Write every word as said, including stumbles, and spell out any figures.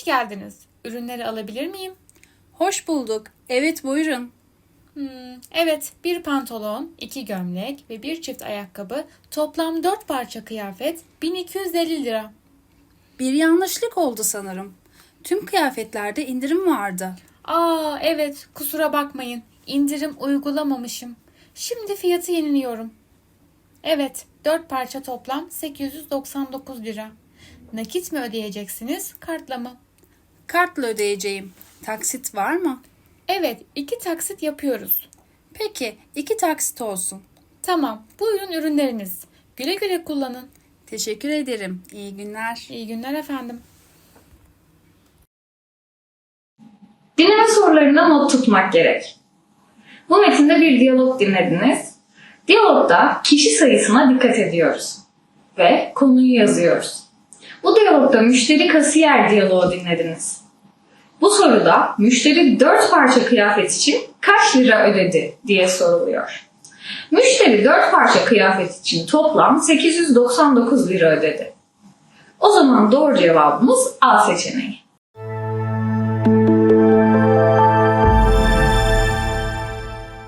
geldiniz. Ürünleri alabilir miyim? Hoş bulduk. Evet, buyurun. Hmm, evet, bir pantolon, iki gömlek ve bir çift ayakkabı, toplam dört parça kıyafet, bin iki yüz elli lira. Bir yanlışlık oldu sanırım. Tüm kıyafetlerde indirim vardı. Aa, evet, kusura bakmayın. İndirim uygulamamışım. Şimdi fiyatı yeniliyorum. Evet, dört parça toplam sekiz yüz doksan dokuz lira. Nakit mi ödeyeceksiniz, kartla mı? Kartla ödeyeceğim. Taksit var mı? Evet, iki taksit yapıyoruz. Peki, iki taksit olsun. Tamam, buyurun ürünleriniz. Güle güle kullanın. Teşekkür ederim. İyi günler. İyi günler efendim. Dinleme sorularına not tutmak gerek. Bu metinde bir diyalog dinlediniz. Diyalogda kişi sayısına dikkat ediyoruz ve konuyu yazıyoruz. Bu diyalogda müşteri kasiyer diyaloğu dinlediniz. Bu soruda müşteri dört parça kıyafet için kaç lira ödedi diye soruluyor. Müşteri dört parça kıyafet için toplam sekiz yüz doksan dokuz lira ödedi. O zaman doğru cevabımız A seçeneği.